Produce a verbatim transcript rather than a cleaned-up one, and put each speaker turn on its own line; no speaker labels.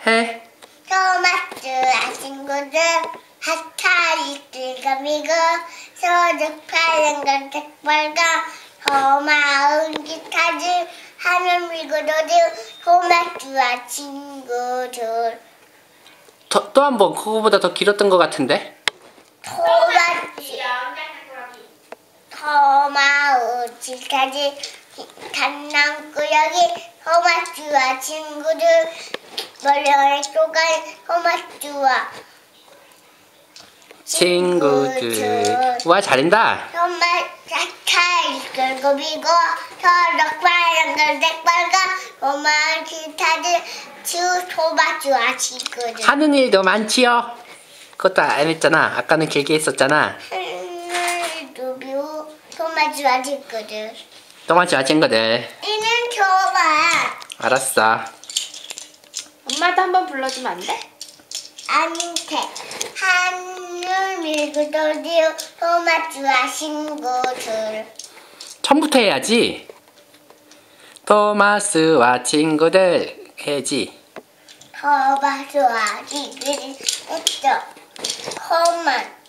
해.
토마스와 친구들 핫타리 뜰거미고 소득 파란 건 색깔과 고마운 기타들 하늘 밀고 도들 토마스와 친구들.
또 한 번 그거보다 더 길었던 것 같은데?
토마스 고마운 기타들 단랑구역이 토마스와 친구들 머리를 쪼간 토마스와
친구들. 와, 잘한다.
토마스 핫타리 뜰거미고 소득 파란 건 색깔과 고마운 기타들 주 토마스와 친구들.
하는 일도 많지요? 그것도 안 했잖아. 아까는 길게 했었잖아.
누비우 토마스와 친구들.
토마스와 친구들.
이는 토마.
알았어.
엄마도 한번 불러주면 안 돼?
안테 하늘 밀고 도디오 토마스와 친구들.
처음부터 해야지. 토마스와 친구들 해야지.
토마스와 친구들 했죠. 토마